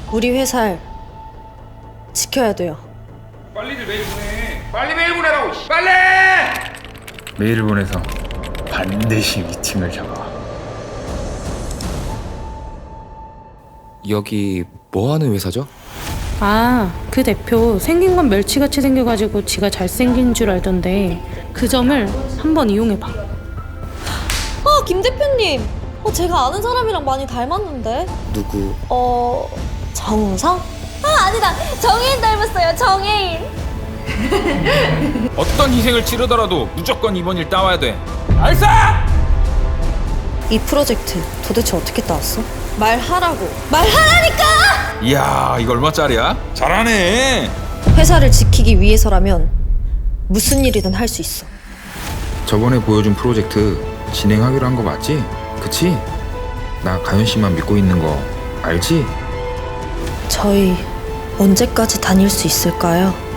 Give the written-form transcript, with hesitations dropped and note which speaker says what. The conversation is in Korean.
Speaker 1: 우리 회사를 지켜야 돼요.
Speaker 2: 빨리들 메일 보내. 빨리 메일 보내라고. 빨리!
Speaker 3: 메일을 보내서 반드시 미팅을 잡아.
Speaker 4: 여기 뭐 하는 회사죠?
Speaker 5: 아, 그 대표 생긴 건 멸치같이 생겨가지고 지가 잘생긴 줄 알던데 그 점을 한번 이용해봐.
Speaker 1: 김 대표님. 제가 아는 사람이랑 많이 닮았는데.
Speaker 4: 누구?
Speaker 1: 정우성? 아니다. 정혜인 닮았어요. 정혜인.
Speaker 2: 어떤 희생을 치르더라도 무조건 이번 일 따와야 돼. 알싸!
Speaker 1: 이 프로젝트 도대체 어떻게 따왔어? 말하라고. 말하라니까!
Speaker 2: 이야, 이거 얼마짜리야? 잘하네.
Speaker 1: 회사를 지키기 위해서라면 무슨 일이든 할 수 있어.
Speaker 3: 저번에 보여준 프로젝트 진행하기로 한 거 맞지? 그치? 나 가연 씨만 믿고 있는 거 알지?
Speaker 1: 저희 언제까지 다닐 수 있을까요?